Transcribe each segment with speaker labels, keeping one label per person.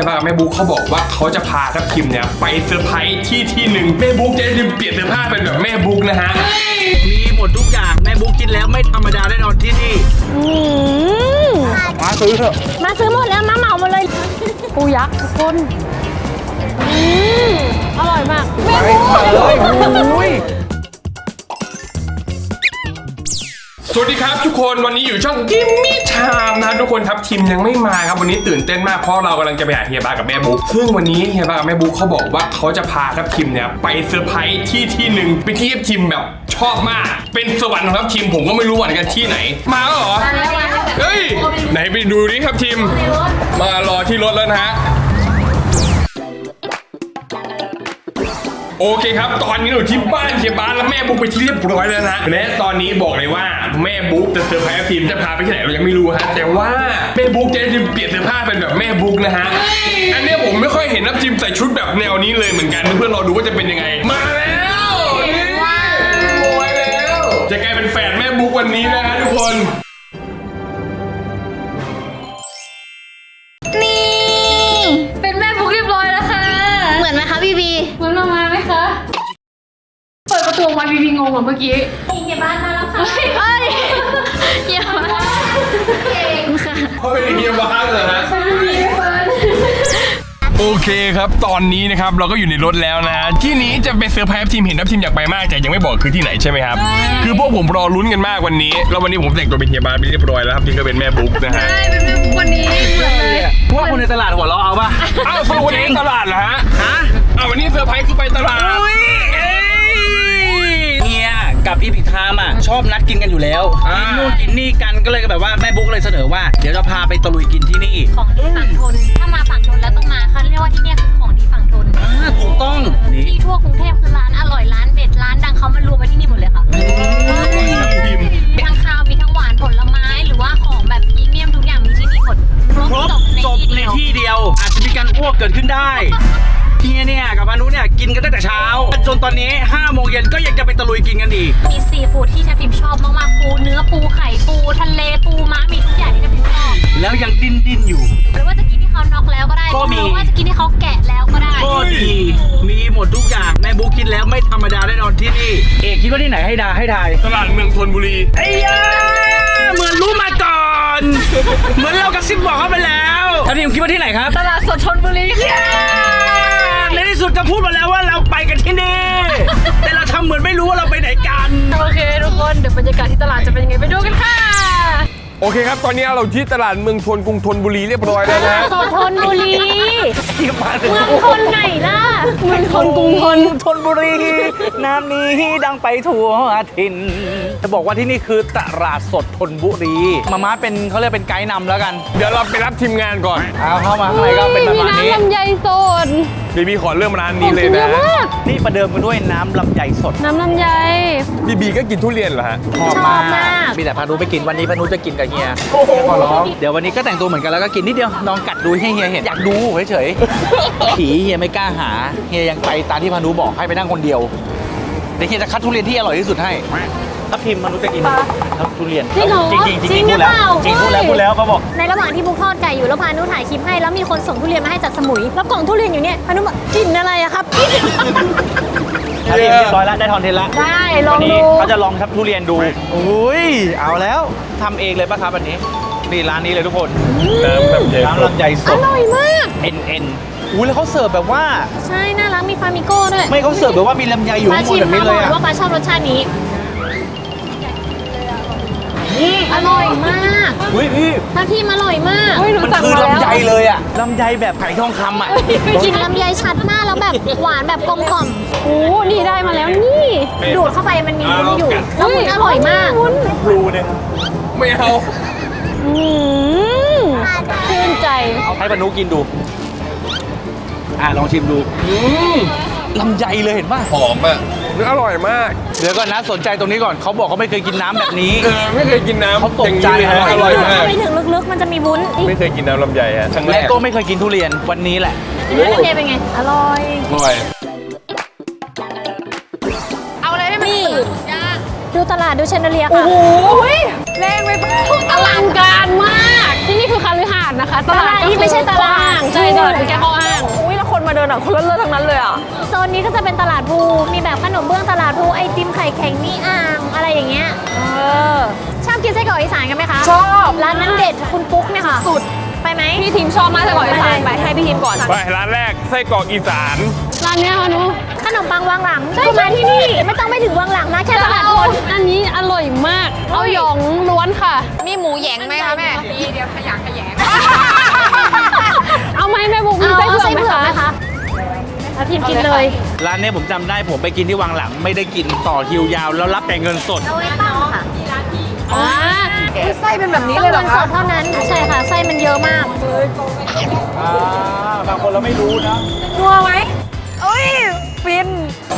Speaker 1: ยบ้าแม่บุ๊กเขาบอกว่าเขาจะพาทัพทิมเนี่ยไปเซอร์ไพรส์ที่หนึ่งแม่บุ๊กจะได้เปลี่ยนเสื้อผ้าเป็นแบบแม่บุ๊กนะฮะ
Speaker 2: มีหมดทุกอย่างแม่บุ๊กคิดแล้วไม่ธรรมดาแน่นอนที่นี่มาซื้อเถอะ
Speaker 3: มาซื้อหมดแล้วมาเหมาหมดเลยปูยักษ์ทุกคนอร่อยมากแม่บุ๊ก
Speaker 2: เลยอุ้ย
Speaker 1: สวัสดีครับทุกคนวันนี้อยู่ช่องกิมมี่ไทม์นะทุกคนครับทีมยังไม่มาครับวันนี้ตื่นเต้นมากเพราะเรากำลังจะไปหาเฮียบ้ากับแม่บุ๊กซึ่งวันนี้เฮียบ้ากับแม่บุ๊กเขาบอกว่าเขาจะพาทัพทิมเนี่ยไปเซอร์ไพรส์ที่หนึ่งเป็นที่ทัพทิมแบบชอบมากเป็นสวรรค์ของทัพทิมผมก็ไม่รู้ว่ากันที่ไหนมาแล้วเหรอเฮ้ยไหนไปดูดิทัพทิมมารอที่รถแล้วนะฮะโอเคครับตอนนี้อยู่ที่บ้านเฮียบ้านแล้วแม่บุ๊กไปที่เรียบร้อยแล้วนะและตอนนี้บอกเลยว่าแม่บุ๊กจะเซอร์ไพรส์ทีมจะพาไปที่ไหนเรายังไม่รู้ฮะแต่ว่าแม่บุ๊กจะเปลี่ยนเสื้อผ้าเป็นแบบแม่บุ๊กนะฮะอันนี้ผมไม่ค่อยเห็นนับทีมใส่ชุดแบบแนวนี้เลยเหมือนกันเพื่อนเราดูว่าจะเป็นยังไงมาแล้วนี่โวยแล้วจะกลายเป็นแฝดแม่บุ๊กวันนี้นะฮะทุกคน
Speaker 3: นี่เป็นแม่บุ๊กเรียบร้อยแล้วค่ะเหมือนไหมคะบีบีเหมือนมาไหมคะเปิดประตูมาบีบีงงเหมือนเมื่อกี้เฮียบ้านมาแล้วค่ะเฮ้ยเฮียบ้านค่ะ
Speaker 1: เขาเป็นเฮียบ้านเหรอฮะโอเคครับตอนนี้นะครับเราก็อยู่ในรถแล้วนะที่นี้จะเป็นเซอร์ไพรส์ทีมเห็นทัพทีมอยากไปมากแต่ยังไม่บอกคือที่ไหนใช่ไหมครับคือพวกผมรอลุ้นกันมากวันนี้แล้ววันนี้ผมแต่งตัวเป็นเฮียบ้านไปเรียบร้อยแล้วครับทีมก็เป็นแม่บุ๊กนะฮะ
Speaker 3: ใช่เป็นแม่บุ๊กวันนี้เหมือนเลย
Speaker 2: พวกคนในตลาดหัวเราะเอาป่ะ
Speaker 1: อ้าวคนในตลาดเหรอฮะอ้าววันนี้เซอร์ไพรส์คือไปตลาด
Speaker 2: เฮียกับอีพิกไทม์อ่ะชอบนัดกินกันอยู่แล้วกินนู่นกินนี่กันก็เลยแบบว่าแม่บุ๊กเลยเสนอว่าเดี๋ยวจะพาไปตะลุยกินที่นี่
Speaker 3: ของดีฝั่งทนถ้ามาฝั่งทนแล้วต้องมาเขาเรียกว่าที่นี่คือของดีฝั่งทน
Speaker 2: ถูกต้อง
Speaker 3: ที่ทั่วกรุงเทพคือร้านอร่อยร้านเด็ดร้านดังเขามารวมไว้ที่นี่หมดเลยค่ะมีทั้งข้าวมีทั้งหวานผลไม้หรือว่าของแบบพรีเมียมทุกอย่างมีที่นี่หมด
Speaker 2: ครบจบในที่เดียวอาจจะมีการอ้วกเกิดขึ้นได้เฮียเนี่ยกับพานุเนี่ยกินกันตั้งแต่เช้าจนตอนนี้5 โมงเย็นก็ยังจะไปตะลุยกินกันอีก
Speaker 3: มีซีฟู้ดที่ทัพทิมชอบมากๆปูเนื้อปูไข่ปูทะเลปูม้ามีทุกอย่างที่ทัพทิมชอบ
Speaker 2: แล้วยังดิ้นอยู่
Speaker 3: หรือว่าจะกินที่เขาน็อกแล้วก็ได้หรือว่าจะกินที่เขาแกะแล้วก็ได้
Speaker 2: ก็ดีมีหมดทุกอย่างแม่บุ๊กคิดแล้วไม่ธรรมดาแน่นอนที่นี่เอกคิดว่าที่ไหนให้ทาย
Speaker 1: ตลาดเมืองธนบุรี
Speaker 2: ไอ้ยาเหมือนรู้มาก่อนเหมือนเรากระซิบบอกเขาไปแล้วทัพทิมคิดว่าที่ไหนครับ
Speaker 3: ตลาดสดธนบุรี
Speaker 2: ในที่สุดจะพูดมาแล้วว่าเราไปกันที่นี่แต่เราทำเหมือนไม่รู้ว่าเราไปไหนกัน
Speaker 3: โอเคทุกคนเดี๋ยวบรรยากาศที่ตลาดจะเป็นยังไงไปดูกันค่ะ
Speaker 1: โอเคครับตอนนี้เราที่ตลาดเมืองธนกรุงธนบุรีเรียบร้อยแล้วนะ
Speaker 3: สดธนบุรีเมืองธนไหนล่ะเมืองธนกรุง
Speaker 2: ธนบุรีน้ำนี้ดังไปทั่วถิ่นจะบอกว่าที่นี่คือตลาดสดธนบุรีมาเป็นเขาเรียกเป็นไกด์นำแล้วกัน
Speaker 1: เดี๋ยวเราไปรับทีมงานก่อน
Speaker 2: เอาเข้ามาข้างในก็เป็นประมาณนี้
Speaker 3: น้ำลำไยสด
Speaker 1: บีขอเริ่มร้านนี้เลยนะ
Speaker 2: นี่ประเดิมกันด้วยน้ำลำไยสด
Speaker 3: น้ำลำไย
Speaker 1: บีก็กินทุเรียนเหรอฮะ
Speaker 2: ชอบมากมีแต่พานุไปกินวันนี้พานุจะกินกับเฮียขอร้องเดี๋ยววันนี้ก็แต่งตัวเหมือนกันแล้วก็กินนิดเดียวลองกัดดูให้เฮียเห็นอยากดูเฉยๆผีเฮียไม่กล้าหาเฮียยังไปตามที่พานุบอกให้ไปนั่งคนเดียวเดี๋ยวเฮียจะคัดทุเรียนที่อร่อยที่สุดให้ทัพทิมพานุจะกินทัพทุเรียนจริงพูดแล้วเขาบอก
Speaker 3: ในระหว่างที่บุ๊กทอดไก่อยู่แล้วพานุถ่ายคลิปให้แล้วมีคนส่งทุเรียนมาให้จากสมุยแล้วกล่องทุเรียนอยู่เนี่ยพานุบอกกินอะไรอะครับ
Speaker 2: ทัพทิมเรียบร้อยแล้วได้คอนเทนต์แล้ว
Speaker 3: ได้ลองดู
Speaker 2: เขาจะลองทัพทุเรียนดูอุ้ยเอาแล้วทำเองเลยป่ะครับวันนี้นี่ร้านนี้เลยทุกคนน้ำลำไยสด
Speaker 3: อร่อยมาก
Speaker 2: อุ้ยแล้วเขาเสิร์ฟแบบว่า
Speaker 3: ใช่น่ารักมีฟามิโก้ด้วย
Speaker 2: ไม่เขาเสิร์ฟแบบว่ามีลำไยอยู่ข้างบนแบบนี้เลยอะ
Speaker 3: ว่าปลาชอบรสชาตินี้อร่อยมาก
Speaker 2: พี่
Speaker 3: ทัพทิมอร่อยมาก
Speaker 2: มันคือลำไยเลยอะลำไยแบบไผ่ทองคำอะ
Speaker 3: กินลำไยชัดมากแล้วแบบหวานแบบกลมกล่อมโอ้นี่ได้มาแล้วนี่ดูดเข้าไปมันมีวุ้นอยู่แล้วมันอร่อยมาก
Speaker 2: รูนึง
Speaker 1: ไม่เอา
Speaker 3: ชื่นใจ
Speaker 2: ให้พานุกินดูลองชิมดูลำไยเลยเห็นป่ะ
Speaker 1: หอมอ่ะอร่อยมาก
Speaker 2: เดี๋ยวก่อนนะสนใจตรงนี้ก่อนเขาบอกเขาไม่เคยกินน้ำแบบนี้
Speaker 1: ไม่เคยกินน้ำ
Speaker 2: เขาตกใจ
Speaker 1: ฮะอร่อยมาก
Speaker 3: ไปถึงลึกๆมันจะมีวุ้น
Speaker 1: ไม่เคยกินน้ำลำไยฮะ
Speaker 2: และก็ไม่เคยกินทุเรียนวันนี้แหละ
Speaker 3: ลำไยเป็นไงอร่อยเอาอะไรให้มันตื่นดูตลาดดูเชนเดอเลียค่ะโอ้โหแรงไปปะอลังการมาก
Speaker 4: ที่นี่คือคาลือหาดนะคะ
Speaker 3: ตลาดที่ไม่ใช่ตลาด
Speaker 4: ใช่ตลาดเป็นแค่ข้ออ้าง
Speaker 5: อุ้ยแล้วคนมาเดินอ่ะคนเลิศๆทั้งนั้นเลยอ่ะ
Speaker 3: โซนนี้ก็จะเป็นตลาดภูมีแบบขนมเบื้องตลาดภูไอติมไข่แข็งนี่อ่างอะไรอย่างเงี้ย ชอบกินไส้กรอกอีสานกันไหมคะ
Speaker 5: ชอบ
Speaker 3: ร้านนั้นเด็ดคุณปุ๊กเนี่ยค่ะ
Speaker 5: สุด
Speaker 3: ไปไหม
Speaker 5: พี่ทีมชอบมากแต่ก่อนอีสานไปให้พี่ทีมก่อน
Speaker 1: ไปร้านแรกไส้กรอกอีสาน
Speaker 4: ร้านเนี้ยค่ะหนู
Speaker 3: ขนมปังวางหลังคุณมาที่นี่ไม่ต้องไปถึงวางหลังนะแค่ตลาด
Speaker 4: เอา
Speaker 3: คน
Speaker 4: อันนี้อร่อยมาก เอาหยองล้วนค่ะ
Speaker 5: มีหมูแหยงไหมคะแม่
Speaker 4: เอาไหมแม่บุ๊กมี
Speaker 3: เอา
Speaker 4: ไส้เผือกไหม
Speaker 3: ไหม
Speaker 4: คะ
Speaker 3: คะแล้วทีมกินเลย
Speaker 2: ร้านเนี้ยผมจำได้ผมไปกินที่วังหลังไม่ได้กินต่อคิวยาว แล้วรับแต่เงินสด
Speaker 3: เอาไว้ตั้งค่ะ
Speaker 4: อ่า
Speaker 5: ไส้เป็นแบบนี้
Speaker 3: ต้อง
Speaker 5: เลยเหร
Speaker 3: เงิ
Speaker 5: อน
Speaker 3: ส
Speaker 5: คะ
Speaker 3: ดเท่านั้นใช่ค่ะไส้มันเยอะมาก
Speaker 2: บางคนเราไม่รู้นะ
Speaker 5: นัวไหมเอ้ยฟิน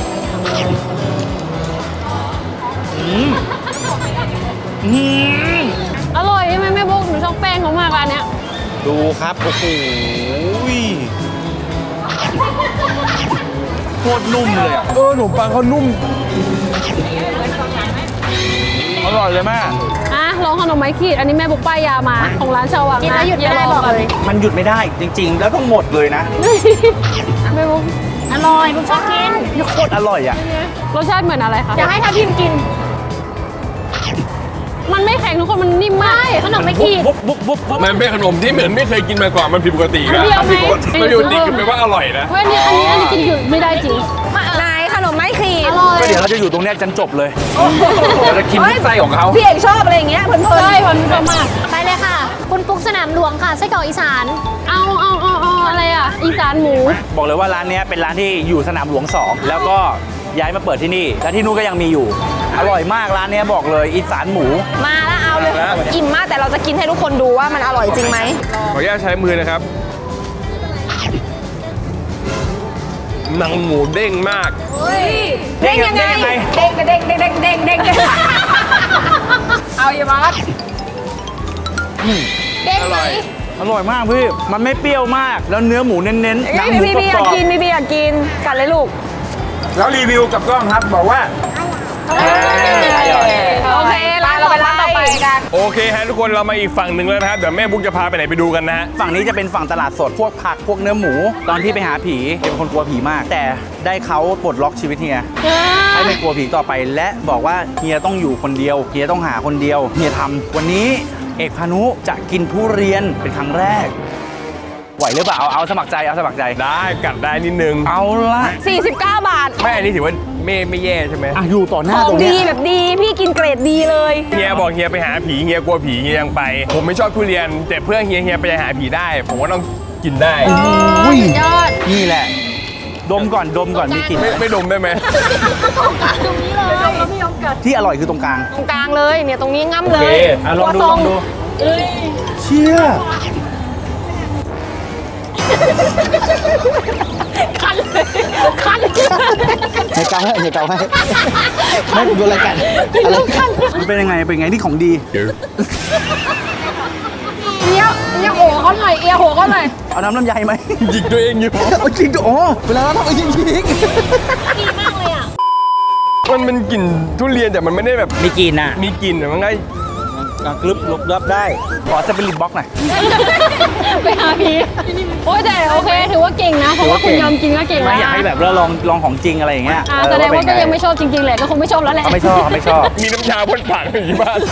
Speaker 4: อร่อยใช่ไหมแม่บุ๊กหนูชอบแป้งเขามากร้านเนี้ย
Speaker 2: ดูครับ โอ้โหโคตรนุ่มเลยอ่ะ
Speaker 1: ขนมปังเขานุ่ม
Speaker 2: อร่อยเลยแม่
Speaker 4: อ่ะลองขนมไม้ขีด อันนี้แม่บุ๊กป้ายยามาของร้านชาววัง
Speaker 3: กิน
Speaker 4: นะ
Speaker 3: แล้วหยุดไม่ได้บอกเลย
Speaker 2: มันหยุดไม่ได้จริง ๆ แล้วต้องหมดเลยนะ
Speaker 4: แม่บุ๊ก
Speaker 3: อร่อยผมชอบกิน
Speaker 2: นี่โคตรอร่อยอ่ะ
Speaker 4: รสชาติเหมือนอะไรคะ
Speaker 3: อยากให้ทัพทิมกิน
Speaker 4: มันไม่แข็งทุกคนมันนิ่มมาก
Speaker 3: ขนมไม่ขีด
Speaker 2: บุ๊บบุ๊บบุ๊บบุ๊บ
Speaker 1: มันเป็นขนมที่เหมือนไม่เคยกินมาก่อนมันผิดปกติ
Speaker 4: อัน
Speaker 1: นะ
Speaker 4: เดียวไหม
Speaker 1: มันผิดปกติคือแปลว่าอร่อยนะ
Speaker 4: เว้ยอันนี้กินหยุดไม่ได้จริง
Speaker 5: นายขนมไม้ขีด
Speaker 3: อร่อย
Speaker 2: ก็เดี๋ยวเราจะอยู่ตรงเนี้ยจนจบเลยเราจะกินทุกไส้ของเขา
Speaker 5: พี่เอกชอบอะไรอย่างเงี้ยเพลิน
Speaker 4: ใช่มันชอบมาก
Speaker 3: ไปเลยค่ะ คุณปุ๊กสนามหลวงค่ะไส้กรอกอีสาน
Speaker 4: เอาอะไรอ่ะ อีสานหมู
Speaker 2: บอกเลยว่าร้านเนี้ยเป็นร้านที่อยู่สนามหลวง 2 แล้วก็ย้ายมาเปิดที่นี่ และที่นู่นก็ยังมีอยู่ อร่อยมากร้านเนี้ยบอกเลยอีสานหมู
Speaker 5: ๆมาแล้วเอาเลย
Speaker 1: มาแล้ว
Speaker 5: อิ่มมากแต่เราจะกินให้ทุกคนดูว่ามันอร่อยจริงไหม
Speaker 1: ขออนุญาตใช้มือนะครับหนังหมูเด้งมาก
Speaker 5: เด้งยังไง เด้งเด้งเด้งเด้งเด้งเด้งเด้งเอาอย่าบอส
Speaker 3: เด้งไหม
Speaker 2: อร่อยมากพี่ มันไม่เปรี้ยวมาก แล้วเนื้อหมูเน้นๆหนังหมู
Speaker 5: พี่
Speaker 2: ก
Speaker 5: พี่อยาร ก
Speaker 2: อบ
Speaker 5: กินพี่อยากกินกัดเลยลูก
Speaker 2: ๆแล้วรีวิวกับกล้องครับบอกว่า
Speaker 5: โอเคเราไปร้านต่อไปกัน
Speaker 1: โอเคฮะทุกคนเรามาอีกฝั่งหนึ่งแล้วนะครับ เดี๋ยวแม่บุ๊กจะพาไปไหนไปดูกันนะฮะ
Speaker 2: ฝั่งนี้จะเป็นฝั่งตลาดสด พวกผัก พวกเนื้อหมู ตอนที่ไปหาผีเป็นคนกลัวผีมาก แต่ได้เขาปลดล็อกชีวิตเฮีย ให้ไม่กลัวผีต่อไป และบอกว่าเฮียต้องอยู่คนเดียว เฮียต้องหาคนเดียว เฮียทำวันนี้เอกพานุจะกินทุเรียนเป็นครั้งแรก ไหวหรือเปล่า เอาสมัครใจ เอาสมัครใจ
Speaker 1: ได้กัดได้นิดนึง
Speaker 2: เอาละ
Speaker 5: 49 บาท
Speaker 1: ไม่อันนี้ถือว่าไม่แย่ใช่ไหม
Speaker 2: อ่ะอยู่ต่อหน้า
Speaker 5: ของ
Speaker 2: ตรง
Speaker 5: ดี
Speaker 2: เนี้ย
Speaker 5: แบบดี พี่กินเกรดดีเลย
Speaker 1: เฮียบอกเฮียไปหาผีเฮียกลัวผีเฮียยังไป ผมไม่ชอบทุเรียน แต่เพื่อเฮียไปหาผีได้ ผมก็ต้องกินได้
Speaker 2: อุ้ยนี่แหละ ดมก่อนมีกลิ่น
Speaker 1: ไม่ดมได้ไหม
Speaker 2: ที่อร่อยคือตรงกลาง
Speaker 5: ตรงกลางเลยเนี่ยตรงนี้ง่ำ
Speaker 2: โอ
Speaker 5: เล
Speaker 2: เค
Speaker 5: ย
Speaker 2: อ่ะลองดู
Speaker 5: ครัวซ
Speaker 2: ลองดูเชี่ยให้เกาให้ไม่ดูรายการอะไรมันเป็นยังไงนี่ของดี
Speaker 5: เอียโหเขาหน่อยเอียโหเขาหน่อย
Speaker 2: เอาน้ำลำไยไหม
Speaker 1: จิกตัวเองอยู่
Speaker 2: เอาจริงดิอ๋อเวลาเราทำเอาจริง
Speaker 3: ดีมากเลยอ่ะ
Speaker 1: มันเป็นกลิ่นทุเรียนแต่มันไม่ได้แบบ
Speaker 2: มีกลิ่นอ่ะ
Speaker 1: มีกลิ่นแต่มันก็
Speaker 2: กรึบลบรับได้ ขอสปิริตบ็อกหน่อย
Speaker 4: ไปหาผีโอ้ยแต่โอเค ถือว่าเก่งนะ เพราะว่าคุณยอมกินก็เก่ง
Speaker 2: ไม่
Speaker 4: แล้ว
Speaker 2: อยากให้แบบเราลองของจริงอะไรอย่างเงี้ย
Speaker 4: แสดงว่าก็ยังไม่ชอบจริงๆแหละ ก็คงไม่ชอบแล้วแหละ
Speaker 2: เขาไม่ชอบ
Speaker 1: มีน้ำยาพ่นปากอยู่ที่บ้าน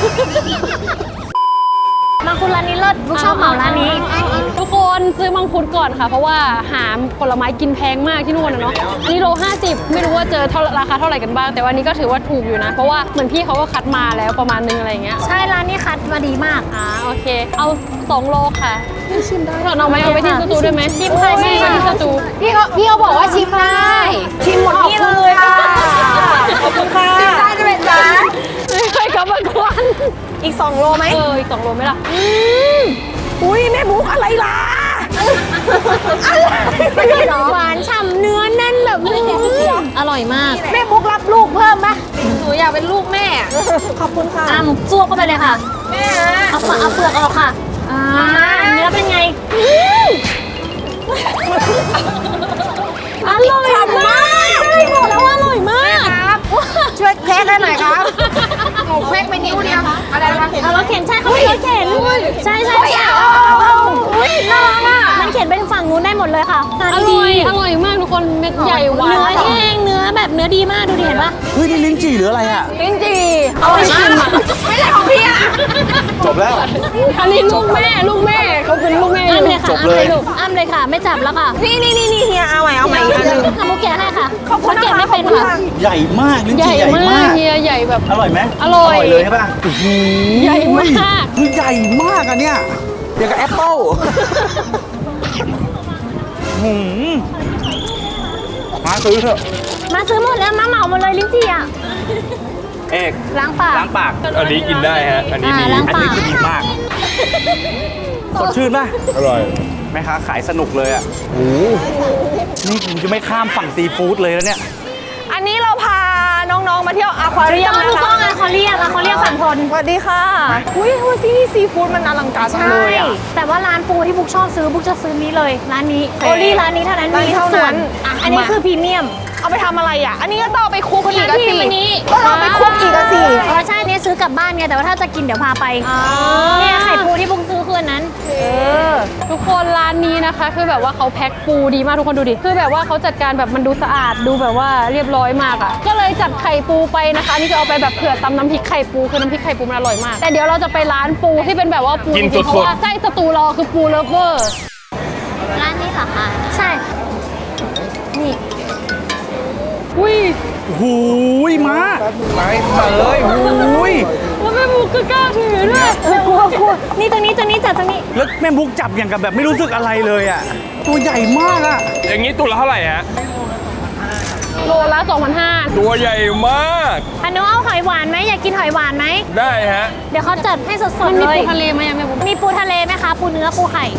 Speaker 3: มังคุดร้านนี้เลิศลูกชอบเหมาร้านนี้
Speaker 4: ทุกคนซื้อมังคุดก่อนค่ะ เพราะว่าหาผลไม้กินแพงมากที่นู่นนะเนาะ อันนี้โล50 ไม่รู้ว่าเจอราคาเท่าไหร่กันบ้าง แต่วันนี้ก็ถือว่าถูกอยู่นะ เพราะว่าเหมือนพี่เขาก็คัดมาแล้วประมาณนึงอะไรอย่างเงี้ย
Speaker 3: ใช่ร้านนี้คัดมาดีมาก
Speaker 4: โอเค เอา2โลค่ะชิมได้เอาไหมเอาไปที่สตูด้วยไหม
Speaker 3: ชิมค่ะ
Speaker 4: ไม่
Speaker 3: ชิม
Speaker 4: ที่สตู
Speaker 3: พี่เขาบอกว่าชิมได้
Speaker 5: ชิมหมดนี่เลยค่ะ ขอบคุณค่ะชิมได้จะเป็นจ้า
Speaker 4: ไม่เคยกลับมาก่อน
Speaker 5: อีก 2 โลไหม
Speaker 4: อีก2โลไหมล่ะ
Speaker 5: อุ้ยแม่บุ๊กอะไรล่ะ
Speaker 3: หวานฉ่ำเนื้อแน่นแบบอร่อยมาก
Speaker 5: แม่บุ๊กรับลูกเพิ่มไหมหนูอยากเป็นลูกแม่ ขอบคุณค่ะ
Speaker 3: จ้วกเข้าไปเลยค่ะ
Speaker 5: แม่
Speaker 3: เอาเปลือกออกค่ะเนื้อเป็นไง อร่อยมากใช่บอกแล้วว่าอร่อยมาก
Speaker 5: ช่วยแพ็คให้หน่อยครับหนูแพ็คกไปนิ้วเดียวอะไรนะคะ
Speaker 3: เอารถเข็นใช่เขามีรถเข็นใช่ใช่ใช่
Speaker 5: อุ้ยน่ารักอ่ะ
Speaker 3: มันเข็นไปถึงฝั่งนู้นได้หมดเลยค่ะ
Speaker 4: อร่อยมากทุกคนเม็ดใหญ่หวาน
Speaker 3: เนื้อแห้งเนื้อแบบเนื้อดีมากดูดิเห็นปะ
Speaker 2: เฮ้ยนี่ลิ้นจี่หรืออะไรอ่ะ
Speaker 5: จริงจีเอาไปชิมไม่ใช่ของพี่อ่ะ
Speaker 2: จบแล้ว
Speaker 4: อันนี้ลูกแม่เขาเป็นลูกแม่
Speaker 3: อ้ำเลยค่ะ
Speaker 2: จบ
Speaker 3: อ้ำ
Speaker 2: เล
Speaker 3: เลย ยลูกอ้ำเลยค่ะ ไม่จับแล้วค่ะ
Speaker 5: นี่เฮียเอาใหม่อีกอันหนึง
Speaker 3: ทำมุกแกะให้ค่ะ
Speaker 5: ขอบคุณ
Speaker 3: เขา
Speaker 5: นะ
Speaker 3: แกะ
Speaker 5: คะ
Speaker 3: ไม่เป็นค่ะ
Speaker 2: ใหญ่มากลิ้น
Speaker 4: ใหญ่
Speaker 2: จี่ใหญ่
Speaker 4: มาม
Speaker 2: าก ก
Speaker 4: เฮียใหญ่แบบ
Speaker 2: อร่อยไหม
Speaker 4: อร่อย
Speaker 2: เลยใช่ป่ะโอ้โห
Speaker 4: ใหญ่มาก
Speaker 2: คือใหญ่มากอะเนี่ยอย่างกับแอปเปิ้ลหืมมาซื้อเถอะ
Speaker 3: มาซื้อหมดแล้วมาเหมาหมดเลยลิ้นจี่อ่ะ
Speaker 2: เอก
Speaker 3: ล้างปาก
Speaker 2: ล้างปาก
Speaker 1: อันนี้กินได้ฮะ อันนี้ดี
Speaker 3: ล้าง
Speaker 2: อัน
Speaker 3: ปา
Speaker 2: นี้
Speaker 3: ก
Speaker 2: คือดีมาก สดชื่นป่ะ
Speaker 1: อร่อย
Speaker 2: แม่ค้าขายสนุกเลยอ่ะโอ้นี่ผมจะไม่ข้ามฝั่งซีฟู้ดเลยแล้วเนี่ย
Speaker 5: อันนี้เราพาน้องๆมาเที่ยวอควาเรียม
Speaker 3: ถู
Speaker 5: นะ
Speaker 3: กต้อง
Speaker 5: คะ
Speaker 3: อะเขาเรียกฝั่งทน
Speaker 5: สวัสดีค่ะอุ้ยที่นี่ซีฟู้ดมันอลังการมากเลยอ่ะ
Speaker 3: แต่ว่าร้านปูที่บุ๊กชอบซื้อบุ๊กจะซื้อนี้เลยร้านนี้
Speaker 5: โอเค
Speaker 3: โอลี่ร้านนี้เท่านั้น
Speaker 5: ร้านนี้
Speaker 3: มีทุก
Speaker 5: เท่า
Speaker 3: ส่ว
Speaker 5: นั้น นอ่ะ
Speaker 3: อันนี้
Speaker 5: มา
Speaker 3: คือพรีเมียม
Speaker 5: เอาไปทำอะไรอ่ะ อันนี้ก็ต้องเอาไปคลุกอีกอะสิ
Speaker 3: อันนี้
Speaker 5: ก็เอาไปคลุกอีกอะสิ
Speaker 3: อ๋อใช่เนี่ยซื้อกลับบ้านไงแต่ว่าถ้าจะกินเดี๋ยวพาไปเนี่ยไข่ปูที่บุ๊กซื้อคืออันนั้น
Speaker 4: ทุกคนร้านนี้นะคะ คือแบบว่าเขาแพ็คปูดีมากทุกคนดูดิคือแบบว่าเขาจัดการแบบมันดูสะอาดดูแบบว่าเรียบร้อยมากอ่ะก็เลยจัดไข่ปูไปนะคะอันนี่จะเอาไปแบบเผื่อตำน้ำพริกไข่ปูคือน้ำพริกไข่ปูมันอร่อยมากแต่เดี๋ยวเราจะไปร้านปูที่เป็นแบบว่าปู
Speaker 1: กิน
Speaker 4: จริงๆ
Speaker 1: สดๆ
Speaker 4: เพราะว่าใช่สตูรอคือปูเลิฟเวอร์
Speaker 3: ร้านนี้เหรอคะใช่นี่
Speaker 4: อุ้ย
Speaker 2: หูยมาเลยหูย
Speaker 4: แล้วแม่บุกก็กล้าถือด้วย
Speaker 3: กลัวนี่ตรงนี้จัดตรงนี้
Speaker 2: แล้วแม่บุ๊กจับอย่างกับแบบไม่รู้สึกอะไรเลยอ่ะ ตัวใหญ่มากอ่ะ
Speaker 1: อย่างนี้ตัวละเท่าไหร่ฮะ
Speaker 4: โลละ2,500
Speaker 1: ตัวใหญ่มาก
Speaker 3: อันนู้นเอาหอยหวานไหมอยากกินหอยหวานไหม
Speaker 1: ได้ฮะ
Speaker 3: เดี๋ยวเขาจัดให้ส
Speaker 4: มั
Speaker 3: ด
Speaker 4: น
Speaker 3: ๆ
Speaker 4: มี
Speaker 3: เลย
Speaker 4: ปูทะเลไหมอะแม่บุก
Speaker 3: มีปูทะเลไหมคะ ปูเนื้อปูไข่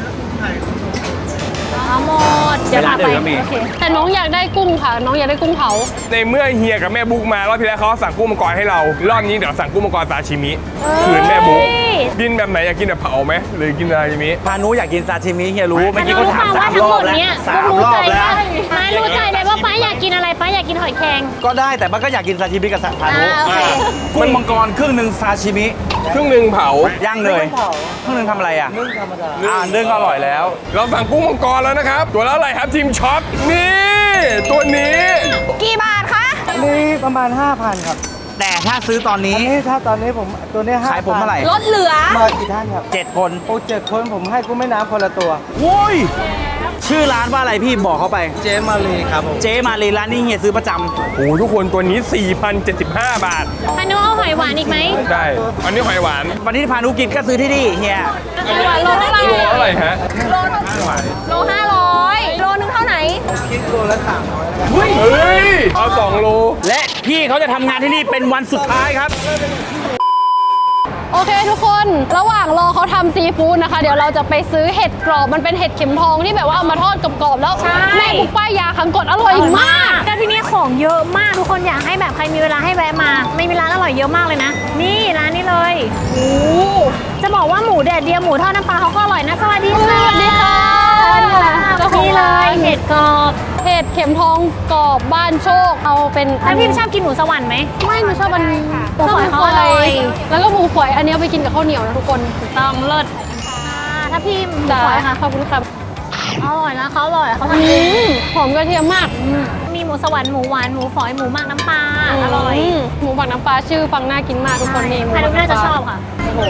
Speaker 3: เอาหมด เดี๋ยวพาไป
Speaker 2: เวลาเดินก็มี
Speaker 3: โอเค
Speaker 4: แต่น้องอยากได้กุ้งค่ะ น้องอยากได้กุ้งเผา
Speaker 1: ในเมื่อเฮียกับแม่บุ๊กมารอบที่แล้วเขาสั่งกุ้งมังกรให้เรา รอบนี้เดี๋ยวสั่งกุ้งมังกรซาชิมิคืนแม่บุ๊กกินแบบไหนอยากกินแบบเผาไหมหรือกินซาชิมิ
Speaker 2: พานุอยากกินซาชิมิเฮียรู้เมื่อกี้
Speaker 3: รู้
Speaker 2: เขาถาม
Speaker 3: ว่า
Speaker 2: สาม
Speaker 3: ทั้
Speaker 2: รง
Speaker 3: ห
Speaker 2: อ
Speaker 3: ม
Speaker 2: บ
Speaker 3: ด
Speaker 2: แล้ว
Speaker 3: เนี้ย
Speaker 2: สามรอบแล้ว
Speaker 3: มารู้ใจเลยว่าป้าอยากกินอะไรป้าอยากกินหอยแครง
Speaker 2: ก็ได้แต่มันก็อยากกินซาชิมิกับพานุ
Speaker 3: โอเค
Speaker 2: กุ้งมังกรครึ่งหนึ่งซาชิมิ
Speaker 1: ครึ่งหนึ่งเผา
Speaker 2: ย่างเลยครึ่งหนึ่งทำอะไรอ่ะนึ่งธรรมดานึ่งก็อร่อยแล้ว
Speaker 1: เราสั่งกุ้งมังกรแล้วนะครับ ตัวละอะไรครับทีมช็อปนี่ตัวนี้
Speaker 5: กี่บาทคะ
Speaker 6: นี่ประมาณ 5,000 ครับ
Speaker 2: แต่ถ้าซื้อตอนนี้
Speaker 6: อันนี้ถ้าตอนนี้ผมตัวนี้5,000
Speaker 2: ขายผมเท่าไหร่
Speaker 5: ลดเหลือ
Speaker 6: มากี่ท่านครับ
Speaker 2: 7 คน
Speaker 6: โอ้7 คนผมให้กุ้งแม่น้ำคนละตัว
Speaker 2: โว้ยชื่อร้านว่าอะไรพี่บอกเขาไป
Speaker 6: เจมาลีครับผม
Speaker 2: เจ๊มารีร้านนี้เฮียซื้อประจำ
Speaker 1: โอ้โหทุกคนตัวนี้ 4,075 บาท
Speaker 3: พานุเอาหอยหวานอีกไหม
Speaker 1: ได้ อันนี้หอยหวาน
Speaker 2: วันนี้พานุกินก็ซื้อที่นี่เฮีย
Speaker 3: หวานโลเท่าไหร่
Speaker 1: ตัวเท่าไหร่ฮะ
Speaker 5: โล500โลนึงเท่าไหน
Speaker 6: คิดตัวละ300
Speaker 1: เฮ้ย เอา2 โล
Speaker 2: และพี่เขาจะทำงานที่นี่เป็นวันสุดท้ายครับ
Speaker 4: โอเคทุกคนระหว่างรอเขาทำซีฟู้ดนะคะ เดี๋ยวเราจะไปซื้อเห็ดกรอบมันเป็นเห็ดเข็มทองที่แบบว่าเอามาทอดกรอบๆแล้วแม่ปุ๊กป้ายยาขังกดอร่อยมาก
Speaker 3: แล้วที่นี่ของเยอะมากทุกคนอยากให้แบบใครมีเวลาให้แวะมา ไม่มีร้านอร่อยเยอะมากเลยนะ นี่ร้านนี้เลยโอ้จะบอกว่าหมูแดดเดียวหมูทอดน้ำปลาเขาก็อร่อยนะสวัสดีค่ะ
Speaker 4: สวัสดีค่ะ
Speaker 3: นี่เลยเห็ดกรอบ
Speaker 4: เห็ดเข็มทองกรอบบ้านโชคเอาเป็น
Speaker 3: แล้วพี่ชอบกินหมูสวรรค์ไหม
Speaker 4: ไม่หนูชอบอัน
Speaker 3: หมูฝอยเขาอร่อย
Speaker 4: แล้วก็หมูฝอยอันนี้เอาไปกินกับข้าวเหนียวนะทุกคน
Speaker 3: ต้องเลิศถ้าพี่หมู
Speaker 4: จ้า
Speaker 3: ฝอยค่ะ
Speaker 4: ขอบคุณครับ
Speaker 3: อร่อยนะเขาอร่อยเขา
Speaker 4: อื
Speaker 3: ทำดี
Speaker 4: มหอมกระเทียมมาก
Speaker 3: มีหมูสวรรค์หมูหวานหมูฝอยหมูหมักน้ำปลาอร่อย
Speaker 4: มหมูบักน้ำปลาชื่อฟังน่ากินมากทุกคนนี่หมู
Speaker 3: ใคร
Speaker 4: บั
Speaker 3: ดู
Speaker 4: ก
Speaker 3: น่า
Speaker 4: น้ำป
Speaker 3: จะ
Speaker 4: ลา
Speaker 3: ชอบค่ะ
Speaker 4: โอ้โห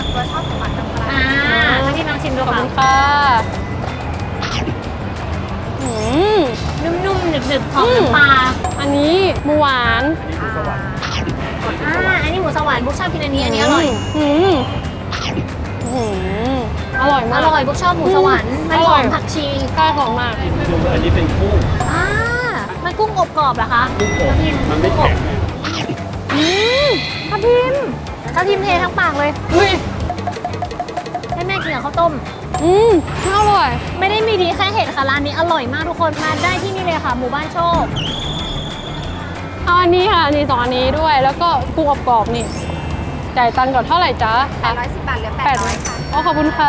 Speaker 3: ถ้าพี่ลองชิมดู
Speaker 4: ขอบ
Speaker 3: ค่ะ
Speaker 4: คุณค่ะอืม
Speaker 3: นุ่มๆหนึบๆหอมน้ำปลา
Speaker 4: อันนี้หมูหวาน
Speaker 3: อันนี้หมูสวรรค์บุ๊กชอบกินอันนี้อร่อย
Speaker 4: อืมอืมอร่อย
Speaker 3: อ
Speaker 4: มาก
Speaker 3: ร่อยบุ๊กชอบหมูสวรรค์มันหอมผักชี
Speaker 4: ใช่หอมมาก
Speaker 3: มันกุ้งอบกรอบเหรอคะมันไม่แข็งทับทิมเททั้งปากเลย
Speaker 4: อุ้ย
Speaker 3: ให้แม่กินกับข้าวต้ม
Speaker 4: อร่อย
Speaker 3: ไม่ได้มีดีแค่เห็ดค่ะร้านนี้อร่อยมากทุกคนมาได้ที่นี่เลยค่ะ หมู่บ้านโชค
Speaker 4: เอาอันนี้ค่ะอันนี้2อันนี้ด้วย แล้วก็กุ้งอบกรอบนี่จ่ายตังค์ก่อนเท่าไหร่จ๊ะ
Speaker 5: 810 บาทเหลือ
Speaker 4: 800ค่ะอ๋อขอบคุณค่ะ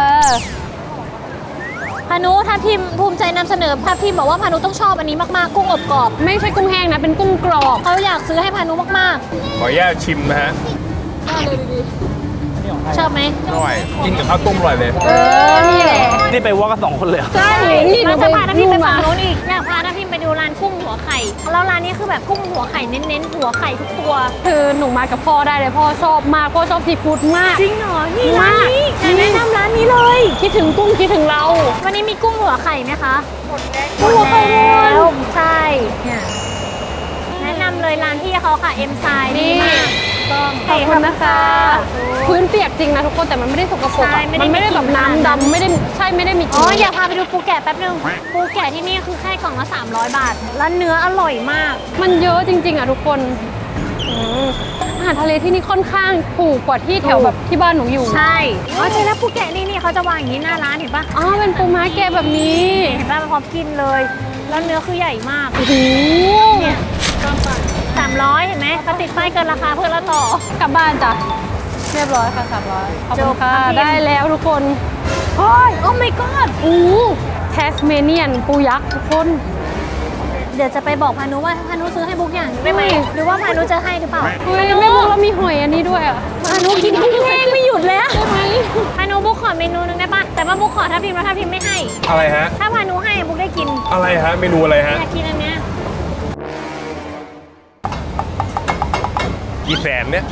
Speaker 3: พานุทับทิมภูมิใจนำเสนอทับทิมบอกว่าพานุต้องชอบอันนี้มากๆกุ้งอบกรอบ
Speaker 4: ไม่ใช่กุ้งแห้งนะ เป็นกุ้งกรอบ
Speaker 3: เขาอยากซื้อให้พานุมาก
Speaker 1: ขออนุญาตชิมนะฮะ
Speaker 3: ชอบไหม
Speaker 1: อร่อย กินกับข้าวต้มอร่อยเลย
Speaker 4: นี่แหละ
Speaker 2: นี่ไปวอล์กกับ2 คนเลยเหรอ
Speaker 4: ใช่นี่หนู
Speaker 3: เรา
Speaker 4: ไป
Speaker 3: จะพาน้าพิมไปฝั่ง
Speaker 4: มา
Speaker 3: โน้นอีกอยากพาน้าพิมไปดูร้านกุ้งหัวไข่แล้วร้านนี้คือแบบกุ้งหัวไข่เน้นๆหัวไข่ทุกตัว
Speaker 4: คือหนูมากับพ่อได้เลยพ่อชอบมากพ่อชอบซีฟู้ดมาก
Speaker 3: จริงเหรอนี่ร้านนี้
Speaker 4: มาก
Speaker 3: แนะนำร้านนี้เลย
Speaker 4: คิดถึงกุ้งคิดถึงเรา
Speaker 3: วันนี้มีกุ้งหัวไข่ไหมคะ
Speaker 4: กุ้งหัวไข่หมด
Speaker 3: แล้วใช่เนี่ยแนะนำเลยร้านที่เขาค่ะเอ็มไซด์ดีมากต้อง
Speaker 4: ขอบคุณนะคะ พื้นเปียกจริงนะทุกคนแต่มันไม่ได้สกปรก
Speaker 3: ใช่
Speaker 4: อะ
Speaker 3: ไม่ได้
Speaker 4: มันไม่ได้
Speaker 3: มีกลิ่
Speaker 4: แบ
Speaker 3: น
Speaker 4: บน้ำดำไม่ได้ใช่ไม่ได้มีก
Speaker 3: อ๋
Speaker 4: ลิ่
Speaker 3: อน อยากพาไปดูปูแกะแป๊บนึงปูแกะที่นี่คือแค่กล่องละ300 บาท แล้วเนื้ออร่อยมาก
Speaker 4: มันเยอะจริงๆอ่ะทุกคนอาหารทะเลที่นี่ค่อนข้างถูกกว่าที่แถวแบบที่บ้านหนูอยู่
Speaker 3: ใช่อ๋อใช่แล้วปูแกะนี่เขาจะวางอย่างนี้หน้าร้านเห็นปะ
Speaker 4: อ๋อเป็นปูม้าแกะแบบนี้
Speaker 3: เห็นปะมันพร้อมกินเลย แล้วเนื้อคือใหญ่มาก
Speaker 4: โอ้โห
Speaker 3: เนี่ย300 เห็นไหมเขาติดป้ายเกินราคาเพื่อละต่อ
Speaker 4: กลับบ้านจ้ะเรียบร้อยค่ะ300ขอบคุณค่ะ
Speaker 3: จบครับ
Speaker 4: ได้แล้วทุกคน
Speaker 3: โอ้ยโอ้ my god
Speaker 4: แทสเมเนียนปูยักษ์ทุกคน
Speaker 3: เดี๋ยวจะไปบอกพานุว่าพานุซื้อให้บุ๊กอย่างได้ไหม
Speaker 4: อุ้ย
Speaker 3: หรือว่าพานุจะให้หรือเปล่า
Speaker 4: เฮ้ยแม่บุ๊กเรามีหอยอันนี้ด้วยอ่ะ
Speaker 3: พานุกินกุ้งแห้งไม่หยุดแล้ว
Speaker 4: ใช่ไหม
Speaker 3: พานุบุ๊กขอเมนูนึงได้ปะแต่ว่าบุ๊กขอถ้าพิมพ์แล้วถ้าพิมพ์ไม่ให้
Speaker 1: อะไรฮะ
Speaker 3: ถ้าพานุให้บุ๊กได้กิน
Speaker 1: อะไรฮะ เมนูอะไรฮะ
Speaker 3: อยากกินอันเนี้ย
Speaker 1: กี่แสนเนี่ย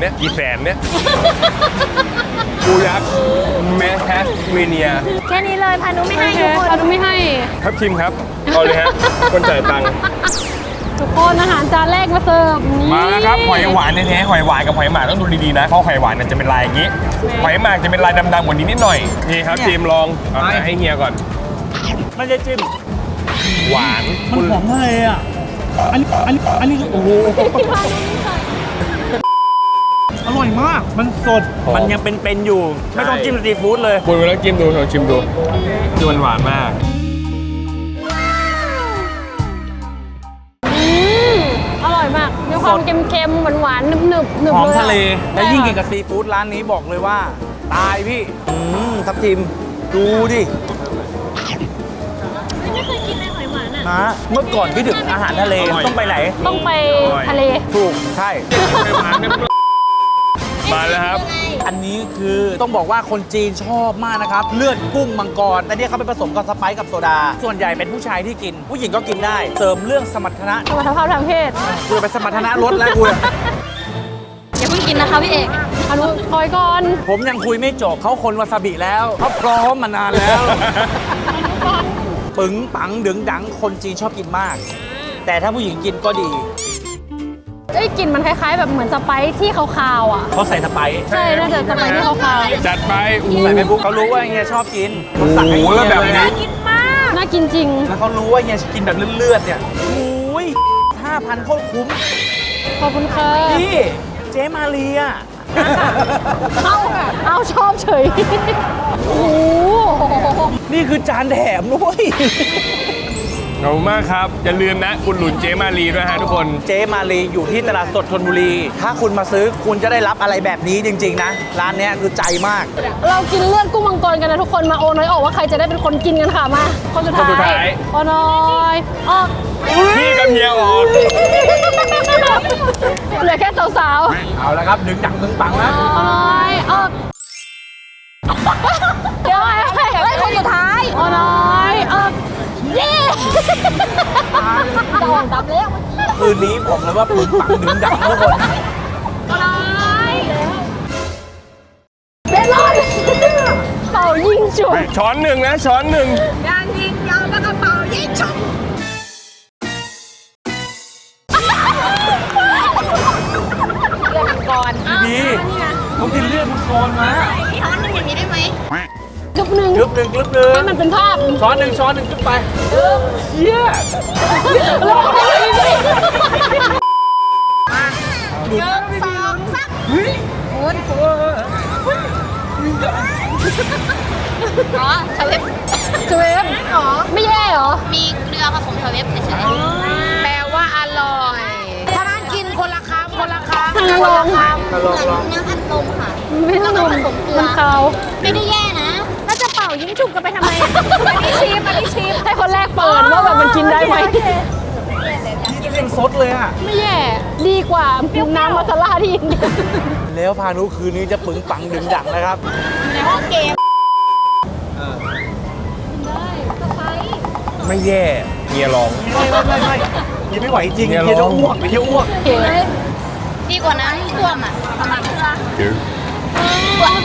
Speaker 1: ปูยักษ์แมสแทสเมเนีย
Speaker 3: แค่นี้เลยพานุไม่ให้
Speaker 4: โอเค
Speaker 3: ทุกคน
Speaker 4: เราจะไม่ให้
Speaker 1: ครับทีมครับเอาเลยฮะ คนจ่ายตังค์
Speaker 4: ทุกคนอาหารจานแรกมาเสิร์ฟนี่
Speaker 1: มาแล้วครับหอยหวานแท้ๆหอยหวานกับหอยหมากต้องดูดีๆนะเพราะหอยหวานเนี่ยจะเป็นลายอย่างนี้ หอยหมากจะเป็นลายดำๆกว่านี้นิดหน่อยนี่ครับทีมลองเอาให้เฮียก่อน
Speaker 2: ไม่ได้จิ้ม
Speaker 1: หวาน
Speaker 2: มันหอมมากเลยอ่ะ อันนี้โอ้โห อร่อยมาก มันสด มันยังเป็นๆอยู่ ไม่ต้องจิ้มซีฟู้ดเลย
Speaker 1: คุณไปแล้วจิ้มดูลองชิมดูคือมันหวานมาก
Speaker 4: อร่อยมาก มีความเค็มๆหวานๆหนึบๆหนึบ
Speaker 2: หอม
Speaker 4: เลย
Speaker 2: ทะเล
Speaker 4: ใช่
Speaker 2: และยิ่งกิน
Speaker 4: ค่ะ
Speaker 2: กับซีฟู้ดร้านนี้บอกเลยว่า ตายพี่ทับทิม ดูดิ
Speaker 3: ไม่เคยกินเลยหอยหวานอ่ะ
Speaker 2: นะเมื่อก่อนคิดถึงอาหารทะเล
Speaker 1: อร่อย
Speaker 2: ต้องไปไหน
Speaker 4: ต้องไปทะเล
Speaker 2: ถูก ใช่
Speaker 1: มาแล้วครับ
Speaker 2: อันนี้คือต้องบอกว่าคนจีนชอบมากนะครับ เลือดกุ้งมังกรแต่เนี่ยเขาไปผสมกับสไปซ์กับโซดา ส่วนใหญ่เป็นผู้ชายที่กิน ผู้หญิงก็กินได้ เสริมเรื่องสมรรถนะ
Speaker 4: สมรรถภาพทางเพศ
Speaker 2: กูจะไปสมรรถนะลดแล้วกู
Speaker 3: อย่าเพิ่งกินนะคะพี่เอก
Speaker 4: อนุคอยก่อน
Speaker 2: ผมยังคุยไม่จบเขาคนวาซาบิแล้วเขาพร้อมมานานแล้ว ปึ๋งปังดึงดังคนจีนชอบกินมาก แต่ถ้าผู้หญิงกินก็ดี
Speaker 4: เอ้ยกลิ่นมันคล้ายๆ แบบเหมือนสไปซ์ที่คาวๆอ่ะ
Speaker 2: เขาใส่สไปซ์
Speaker 4: ใช่ น่าจะสไปซ์ที่คาว
Speaker 1: จัดไปโอ้โห
Speaker 2: ใส่ไปปุ๊บเขารู้ว่าเฮียชอบกินเขาสั่งให้
Speaker 1: โอ้โห
Speaker 2: เฮีย
Speaker 1: แล้วแบบนี้
Speaker 2: เลยะ
Speaker 3: กินมาก
Speaker 4: ๆ น่ากินจริง
Speaker 2: แล้วเขารู้ว่าเฮียกินแบบเลือดๆเนี่ยโอ้ย5,000โคตรคุ้ม
Speaker 4: ขอบคุณค่ะ
Speaker 2: พี่เจ๊มาเรีย
Speaker 4: เอาชอบเฉย โอ้โห
Speaker 2: นี่คือจานแถมด้วย
Speaker 1: ขอบคุณมากครับ อย่าลืมนะคุณหลุนเจมารีด้วยฮะทุกคน
Speaker 2: เจ๊มาลีอยู่ที่ตลาดสดธนบุรี ถ้าคุณมาซื้อคุณจะได้รับอะไรแบบนี้จริง ๆ นะ ร้านเนี้ยคือใจมาก
Speaker 4: เรากินเลือดกุ้งมังกรกันนะทุกคนมาโอน้อยออกว่าใครจะได้เป็นคนกินกันค่ะมา คนสุดท้ายโอน้อยออก
Speaker 1: พี่กับเฮียออก
Speaker 4: เหลือแค่สาว
Speaker 2: เอาละครับดึงดังดึงปังแล้ว
Speaker 4: ๆโอน้อยออกเดี๋ยวไอ้คนสุดท้ายโอน้อยออกเย้จะออกดับแล้ว
Speaker 2: คืนนี้บอกเลยว่าปึงปังดึงดังทุกคน
Speaker 4: โอน้อยเบลอนเป่ายิงจุด
Speaker 1: ช้อนหนึ่งนะช้อนหนึ่ง
Speaker 2: ดีผมกินเลือดมังกรมา
Speaker 4: จุบหนึ่ง
Speaker 2: กรึบหนึ่งกรึบหนึ่ง
Speaker 4: ให้มันเป็นภาพ
Speaker 2: ช้อนหนึ่งขึ้นไปเชี่ย
Speaker 4: ลงไปเลย
Speaker 3: อ๋อชาเวฟ
Speaker 4: เจเวฟไม่แย่เหรอ
Speaker 3: มีเกลือผสมชาเวฟเฉยๆแปลว่าอร่อย ถ้าร้านกินคนละคำคนละคำ
Speaker 4: ทางลง
Speaker 3: เหมือนน้ำอัดลมค่ะ
Speaker 4: ไม่ต้องนมมันเขา
Speaker 3: ไม่ได้แย่นะ ถ้าจะเป่ายิ้มฉุบกันไปทำไมอันนี้ชิม
Speaker 4: ให้คนแรกเปิดว่าแบบมันกินได้ไหม
Speaker 2: ยังซดเลยอ่ะ
Speaker 4: ไม่แย่ดีกว่าน้ำมาซาลาที่อินเดีย
Speaker 2: แล้วพานุคืนนี้จะปึงปังดึงดังนะครับ
Speaker 3: ในห้องเกม
Speaker 1: ไม่แย่เมียลอง
Speaker 2: ไม่ยังไม่ไหวจริง
Speaker 1: เนี่ย
Speaker 2: เฮียจะ
Speaker 1: ร้อง
Speaker 2: อ้วกเฮียอ้วก
Speaker 4: โอเค
Speaker 3: ดีกว่าน้ำท่วมอ่ะทำไม
Speaker 4: โอเค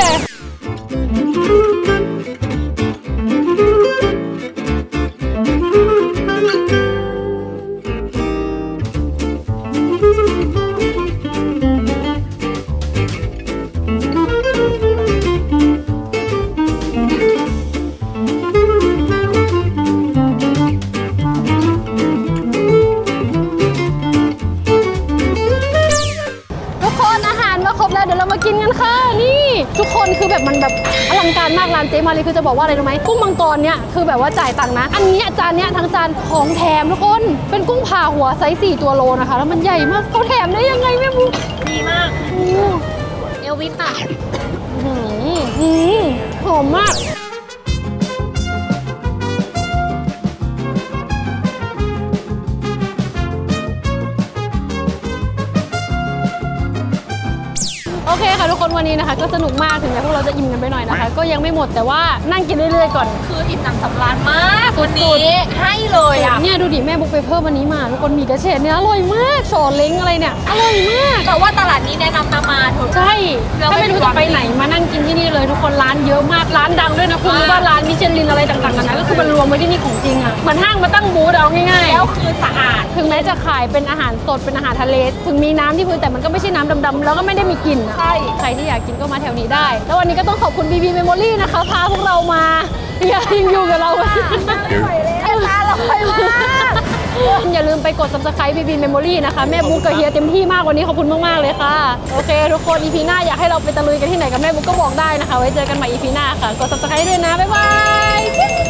Speaker 4: ทุกคนอาหารมาครบแล้วเดี๋ยวเรามากินกันค่ะนี่ทุกคนคือแบบมันแบบอลังการมากร้านเจ๊มาลีคือจะบอกว่าอะไรรู้ไหมกุ้งมังกรเนี่ยคือแบบว่าจ่ายตังค์นะ อันนี้จานเนี้ยทั้งจานของแถมทุกคนเป็นกุ้งผ่าหัวไซส์4ตัวโลนะคะแล้วมันใหญ่มากเขาแถมได้ยังไงแม่บุ๊ก
Speaker 3: ดีมาก
Speaker 4: โอ้
Speaker 3: เอลวิสค่ะ
Speaker 4: หอมมากโอเคค่ะทุกคนวันนี้นะคะ ก็สนุกมากถึงแม้พวกเราจะอิ่มกันไปหน่อยนะคะ ก็ยังไม่หมดแต่ว่านั่งกินเรื่อยๆก่อน
Speaker 3: คืออิ่มหนำสำราญมากวันนี้ให้เลยอ่ะ
Speaker 4: เนี่ยดูดิแม่บุ๊กไปเพิ่มวันนี้มาทุกคนหมีกระเฉดเนี่ยอร่อยมากโฉเล้งอะไรเนี่ยอร่อยมาก
Speaker 3: แต่ว่าตลาดนี้แนะนำมาเถอะ
Speaker 4: ใช่
Speaker 3: เรา
Speaker 4: ถ้า
Speaker 3: ไม่
Speaker 4: ไม่รู้จะไปไหนมานั่งกินที่นี่เลยทุกคนร้านเยอะมากร้านดังด้วยนะคุณรู้ว่าร้านมิชลินอะไรต่างๆกันนะก็คือมันรวมไว้ที่นี่ของจริงอ่ะเหมือนห้างมาตั้งบูธเอาง่ายๆ
Speaker 3: แล้วคือสะอาด
Speaker 4: ถึงแม้จะขายเป็นอาหารสดเป็นอาหารทะเล ถึงมีน้ำที่พื้นแต่มันก็ไม่ใช่น้ำดำๆแล้วก็ไม่ได้มีกลิ่นอะ
Speaker 3: ใช่
Speaker 4: ใครที่อยากกินก็มาแถวนี้ได้ แล้ววันนี้ก็ต้องขอบคุณ BB Memory นะคะพาพวกเรามายังอยู่กับเรา
Speaker 3: ตาลอยมาก
Speaker 4: อย่าลืมไปกด subscribe BB Memory นะคะแม่บุ๊กกับเฮียเต็มที่มากวันนี้ขอบคุณมากๆเลยค่ะโอเคทุกคน EP หน้าอยากให้เราไปตะลุยกันที่ไหนกับแม่บุ๊กก็บอกได้นะคะไว้เจอกันใหม่ EP หน้าค่ะกด subscribe ด้วยนะบ๊ายบาย